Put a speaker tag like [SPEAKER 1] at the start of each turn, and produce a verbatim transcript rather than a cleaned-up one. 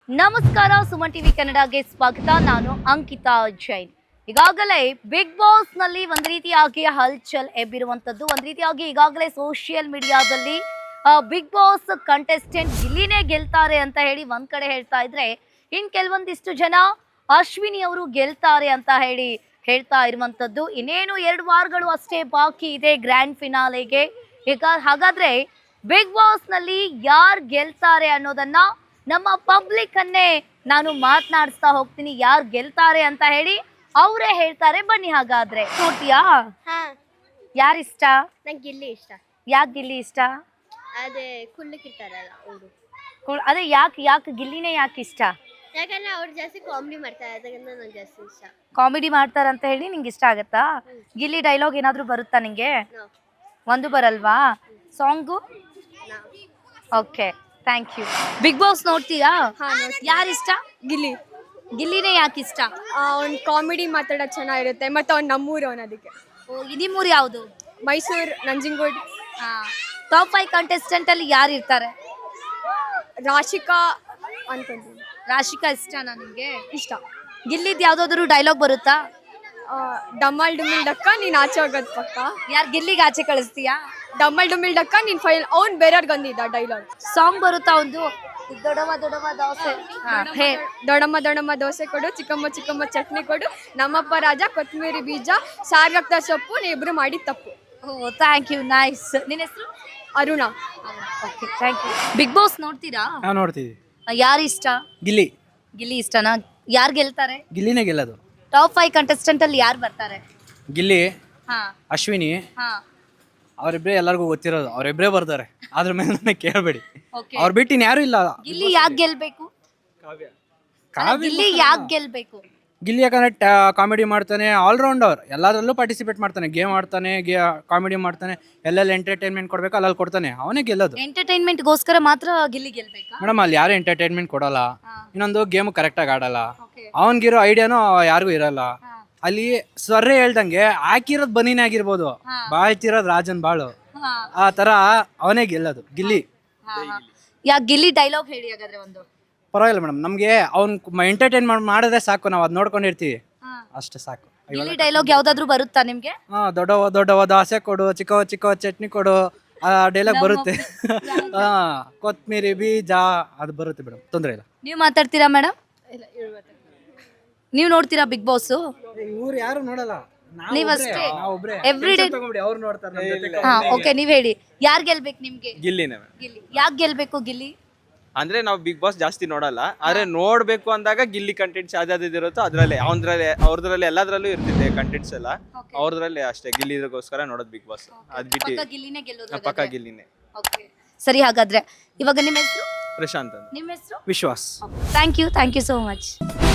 [SPEAKER 1] ನಮಸ್ಕಾರ, ಸುಮನ್ ಟಿವಿ ಕನ್ನಡಗೆ ಸ್ವಾಗತ. ನಾನು ಅಂಕಿತಾ ಜೈನ್. ಈಗಾಗಲೇ ಬಿಗ್ ಬಾಸ್ ನಲ್ಲಿ ಒಂದ್ ರೀತಿಯಾಗಿ ಹಲ್ಚಲ್ ಎಬ್ಬಿರುವಂತದ್ದು, ಒಂದ್ ರೀತಿಯಾಗಿ ಈಗಾಗಲೇ ಸೋಷಿಯಲ್ ಮೀಡಿಯಾದಲ್ಲಿ ಬಿಗ್ ಬಾಸ್ ಕಂಟೆಸ್ಟೆಂಟ್ ಗಿಲ್ಲಿನೇ ಗೆಲ್ತಾರೆ ಅಂತ ಹೇಳಿ ಒಂದ್ ಕಡೆ ಹೇಳ್ತಾ ಇದ್ರೆ, ಇನ್ ಕೆಲವೊಂದಿಷ್ಟು ಜನ ಅಶ್ವಿನಿ ಅವರು ಗೆಲ್ತಾರೆ ಅಂತ ಹೇಳಿ ಹೇಳ್ತಾ ಇರುವಂತದ್ದು. ಇನ್ನೇನು ಎರಡು ವಾರಗಳು ಅಷ್ಟೇ ಬಾಕಿ ಇದೆ ಗ್ರ್ಯಾಂಡ್ ಫಿನಾಲೆಗೆ. ಈಗ ಹಾಗಾದ್ರೆ ಬಿಗ್ ಬಾಸ್ ನಲ್ಲಿ ಯಾರು ಗೆಲ್ತಾರೆ ಅನ್ನೋದನ್ನ ನಮ್ಮ ಪಬ್ಲಿಕ್ ಅನ್ನೇ ನಾನು ಮಾತನಾಡಿಸ್ತಾ ಹೋಗ್ತೀನಿ. ಯಾರು ಗೆಲ್ತಾರೆ ಅಂತ ಹೇಳಿ ಅವರೇ ಹೇಳ್ತಾರೆ. ಬನ್ನಿ ಹಾಗಾದ್ರೆ. ನೋಡ್ತೀಯಾ
[SPEAKER 2] ಹಾ,
[SPEAKER 1] ಯಾರಿಷ್ಟ?
[SPEAKER 2] ನಂಗೆ ಗಿಲ್ಲಿ ಇಷ್ಟ.
[SPEAKER 1] ಯಾಕೆ ಗಿಲ್ಲಿ ಇಷ್ಟ?
[SPEAKER 2] ಅದೇ ಕುಳ್ಳಕ್ಕಿರ್ತಾರಲ್ಲ ಅವರು.
[SPEAKER 1] ಕೊ- ಅದೇ ಯಾಕೆ ಯಾಕೆ ಗಿಲ್ಲಿನೇ ಯಾಕೆ ಇಷ್ಟ?
[SPEAKER 2] ಯಾಕಂದ್ರೆ ಅವ್ರು ಜಾಸ್ತಿ ಕಾಮಿಡಿ ಮಾಡ್ತಾರೆ, ಅದರಿಂದ ನಂಗೆ ಜಾಸ್ತಿ ಇಷ್ಟ.
[SPEAKER 1] ಕಾಮಿಡಿ ಮಾಡ್ತಾರಂತ ಹೇಳಿ ನಿಂಗೆ ಇಷ್ಟ ಆಗತ್ತಾ? ಗಿಲ್ಲಿ ಡೈಲಾಗ್ ಏನಾದರೂ ಬರುತ್ತಾ ನಿಂಗೆ?
[SPEAKER 2] ನೋ
[SPEAKER 1] ಒಂದು ಬರಲ್ವಾ? Song?
[SPEAKER 2] No
[SPEAKER 1] okay, thank you. Big boss ನೋಡ್ತೀರಾ?
[SPEAKER 3] ಹಾ,
[SPEAKER 1] ಯಾರಿಷ್ಟ?
[SPEAKER 3] ಗಿಲ್ಲಿ.
[SPEAKER 1] ಗಿಲ್ಲಿನೇ ಯಾಕೆ ಇಷ್ಟ?
[SPEAKER 3] ಅವ್ನು ಕಾಮಿಡಿ ಮಾತಾಡೋದು ಚೆನ್ನಾಗಿರುತ್ತೆ, ಮತ್ತು ಅವ್ನು ನಮ್ಮೂರು ಅವನು. ಅದಕ್ಕೆ
[SPEAKER 1] ಓ, ನಿಮ್ಮೂರು ಯಾವುದು?
[SPEAKER 3] Mysuru, Nanjangud.
[SPEAKER 1] Top five contestant ಅಲ್ಲಿ ಯಾರು ಇರ್ತಾರೆ?
[SPEAKER 3] ರಾಶಿಕಾ ಅನ್ಕೊಂತೀನಿ.
[SPEAKER 1] ರಾಶಿಕಾ ಇಷ್ಟನಾ ನಿಮಗೆ?
[SPEAKER 3] ಇಷ್ಟ.
[SPEAKER 1] ಗಿಲ್ಲಿದ್ ಯಾವ್ದಾದ್ರು ಡೈಲಾಗ್ ಬರುತ್ತಾ?
[SPEAKER 3] ಆ, ಡಮ್ಮಲ್ ಡುಮಿಲ್ ಡಕ್ಕ ನೀನು ಆಚೆ ಹೋಗೋದು ಪಕ್ಕ.
[SPEAKER 1] ಯಾರು ಗಿಲ್ಲಿಗೆ ಆಚೆ ಕಳಿಸ್ತೀಯಾ?
[SPEAKER 3] ಡಮ್ಮಲ್ ಡುಮಿಲ್ ಡಕ್ಕ ನೀನು ಫೈಲ್ ಅವ್ನು ಬೇರೆಯವ್ರಿಗೆ ಬಂದಿದ್ದ ಡೈಲಾಗ್.
[SPEAKER 1] ಸಾಂಗ್ ಬರುತ್ತಾ ಒಂದು? ದೊಡವ ದೊಡವ ದೋಸೆ. ಹಾ, ಹೇ.
[SPEAKER 3] ದೊಡಮ್ಮ ದೊಡಮ್ಮ ದೋಸೆ ಕೊಡು, ಚಿಕ್ಕಮ್ಮ ಚಿಕ್ಕಮ್ಮ ಚಟ್ನಿ ಕೊಡು, ನಮ್ಮಪ್ಪ ರಾಜ ಕೊತ್ತಂಬರಿ ಬೀಜ ಸಾರ್ಗಕ್ತ ಸೊಪ್ಪು, ನೀ ಇಬ್ರು ಮಾಡಿದ ತಪ್ಪು.
[SPEAKER 1] ಓ, ಥ್ಯಾಂಕ್ ಯು, ನೈಸ್. ನಿನ್ನ ಹೆಸರು?
[SPEAKER 3] Aruna.
[SPEAKER 1] Okay, thank you. Big boss ನೋಡ್ತೀರಾ?
[SPEAKER 4] ನಾವು ನೋಡ್ತೀವಿ.
[SPEAKER 1] ಯಾರು ಇಷ್ಟ?
[SPEAKER 4] ಗಿಲ್ಲಿ.
[SPEAKER 1] ಗಿಲ್ಲಿ ಇಷ್ಟನಾ? ಯಾರು ಗೆಲ್ತಾರೆ?
[SPEAKER 4] ಗಿಲ್ಲಿನೇ ಗೆಲ್ಲೋದು.
[SPEAKER 1] ಟಾಪ್ ಫೈವ್ ಕಂಟೆಸ್ಟೆಂಟ್ ಅಲ್ಲಿ ಯಾರು ಬರ್ತಾರೆ?
[SPEAKER 4] ಗಿಲ್ಲಿ,
[SPEAKER 1] ಹಾ
[SPEAKER 4] ಅಶ್ವಿನಿ,
[SPEAKER 1] ಹಾ
[SPEAKER 4] ಅವರಿಬ್ಬರೇ ಎಲ್ಲರಿಗೂ ಗೊತ್ತಿರೋದು. ಅವರಿಬ್ಬರೇ ಬರ್ತಾರೆ, ಅದ್ರ ಮೇಲೆ ನನಗೆ ಕೇಳಬೇಡಿ.
[SPEAKER 1] ಓಕೆ.
[SPEAKER 4] ಅವ್ರು ಬಿಟ್ಟು ಇನ್ಯಾರೂ ಇಲ್ಲ.
[SPEAKER 1] ಗಿಲ್ಲಿ ಯಾಕೆ ಗೆಲ್ಬೇಕು? ಅಲ್ಲ, ಗಿಲ್ಲಿ ಯಾಕೆ ಗೆಲ್ಬೇಕು?
[SPEAKER 4] ಗಿಲ್ಲಿ ಯಾಕಂದ್ರೆ ಕಾಮಿಡಿ ಮಾಡ್ತಾನೆ, ಆಲ್ರೌಂಡರ್, ಎಲ್ಲದರಲ್ಲೂ ಪಾರ್ಟಿಸಿಪೇಟ್ ಮಾಡ್ತಾನೆ. ಗೇಮ್ ಆಡ್ತಾನೆ, ಗೆ ಕಾಮಿಡಿ ಮಾಡ್ತಾನೆ, ಎಲ್ಲೆಲ್ಲಿ ಎಂಟರ್ಟೈನ್ಮೆಂಟ್ ಕೊಡ್ಬೇಕು ಅಲ್ಲಲ್ಲಿ ಕೊಡ್ತಾನೆ. ಅವನೇ ಗೆಲ್ಲೋದು.
[SPEAKER 1] ಎಂಟರ್ಟೈನ್ಮೆಂಟ್ ಗೋಸ್ಕರ ಮಾತ್ರ ಗಿಲ್ಲಿ ಗೆಲ್ಬೇಕಾ?
[SPEAKER 4] ಮೇಡಮ್, ಅಲ್ಲಿ ಯಾರು ಎಂಟರ್ಟೈನ್ಮೆಂಟ್ ಕೊಡಲ್ಲ.
[SPEAKER 1] ಹಾ.
[SPEAKER 4] ಇನ್ನೊಂದು ಗೇಮ್ ಕರೆಕ್ಟಾಗಿ ಆಡಲ್ಲ.
[SPEAKER 1] ಓಕೆ.
[SPEAKER 4] ಅವನಿಗಿರೋ ಐಡಿಯಾನು ಯಾರಿಗೂ ಇರಲ್ಲ.
[SPEAKER 1] ಹಾ.
[SPEAKER 4] ಅಲ್ಲಿ ಸ್ವರ್ರೆ ಹೇಳ್ದಂಗೆ ಹಾಕಿರೋದು ಬನೀನೇ ಆಗಿರ್ಬೋದು,
[SPEAKER 1] ಹಾ.
[SPEAKER 4] ಬಾಳ್ತಿರೋದು ರಾಜನ್ ಬಾಳು.
[SPEAKER 1] ಹಾ.
[SPEAKER 4] ಆ ತರ ಅವನೇ ಗೆಲ್ಲೋದು ಗಿಲ್ಲಿ.
[SPEAKER 1] ಯಾಕೆ ಗಿಲ್ಲಿ ಡೈಲಾಗ್ ಹೇಳಿ ಹಾಗಾದ್ರೆ ಒಂದು.
[SPEAKER 4] ಪರವಾಗಿಲ್ಲ ಮೇಡಮ್, ನಮಗೆ ಅವ್ನು ಎಂಟರ್ಟೈನ್ ಮಾಡಿದ್ರೆ ಸಾಕು, ನಾವು ಅದು ನೋಡ್ಕೊಂಡಿರ್ತೀವಿ, ಅಷ್ಟೇ ಸಾಕು.
[SPEAKER 1] ಗಿಲ್ಲಿ ಡೈಲಾಗ್ ಯಾವ್ದಾದ್ರು ಬರುತ್ತಾ ನಿಮ್ಗೆ?
[SPEAKER 4] ಹಾ, ದೊಡ್ಡವ ದೊಡ್ಡವ ದೋಸೆ ಕೊಡು, ಚಿಕ್ಕವ ಚಿಕ್ಕವ ಚಟ್ನಿ ಕೊಡು, ಆ ಡೈಲಾಗ್ ಬರುತ್ತೆ. ಹಾ, ಕೊತ್ತಂಬರಿ ಬೀಜ ಅದು ಬರುತ್ತೆ ಮೇಡಮ್, ತೊಂದರೆ ಇಲ್ಲ.
[SPEAKER 1] ನೀವು ಮಾತಾಡ್ತೀರಾ ಮೇಡಮ್? ನೀವು ನೋಡ್ತೀರಾ ಬಿಗ್ ಬಾಸ್?
[SPEAKER 4] ಇವ್ರು ಯಾರು ನೋಡಲ್ಲ,
[SPEAKER 1] ನೀವಷ್ಟೇ ಎವ್ರಿ ಡೇ?
[SPEAKER 4] ಅವ್ರು ನೋಡ್ತಾರೆ.
[SPEAKER 1] ಹಾ, ಓಕೆ, ನೀವ್ ಹೇಳಿ. ಯಾರು ಗೆಲ್ಬೇಕು ನಿಮ್ಗೆ?
[SPEAKER 5] ಗಿಲ್ಲಿನೇ ಮೇಡಮ್.
[SPEAKER 1] ಗಿಲ್ಲಿ ಯಾಕೆ ಗೆಲ್ಬೇಕು? ಗಿಲ್ಲಿ
[SPEAKER 5] ಅಂದ್ರೆ ನಾವು ಬಿಗ್ ಬಾಸ್ ಜಾಸ್ತಿ ನೋಡಲ್ಲ, ಆದ್ರೆ ನೋಡ್ಬೇಕು ಅಂದಾಗ ಗಿಲ್ಲಿ ಕಂಟೆಂಟ್ಸ್ ಯಾವ್ದಾವ್ದು ಇರುತ್ತೋ ಅದ್ರಲ್ಲಿ ಅವ್ರದ್ರಲ್ಲಿ ಅವ್ರದ್ರಲ್ಲಿ ಎಲ್ಲದ್ರಲ್ಲೂ ಇರ್ತಿದೆ ಕಂಟೆಂಟ್ಸ್ ಎಲ್ಲ.
[SPEAKER 1] Okay.
[SPEAKER 5] ಅವ್ರದ್ರಲ್ಲಿ ಅಷ್ಟೇ ಗಿಲ್ಲಿಗೋಸ್ಕರ ನೋಡೋದು ಬಿಗ್ ಬಾಸ್. ಅದ್ ಬಿಟ್ಟು
[SPEAKER 1] ಪಕ್ಕ ಗಿಲ್ಲಿನೇ ಗೆಲ್ಲೋದು
[SPEAKER 5] ಪಕ್ಕ ಗಿಲ್ಲಿನೇ.
[SPEAKER 1] ಓಕೆ, ಸರಿ. ಹಾಗಾದ್ರೆ ಇವಾಗ ನಿಮ್ಮ ಹೆಸರು?
[SPEAKER 5] ಪ್ರಶಾಂತ್ ಅಂತ.
[SPEAKER 1] ನಿಮ್ಮ ಹೆಸರು?
[SPEAKER 4] Vishwas.
[SPEAKER 1] Thank you, thank you so much.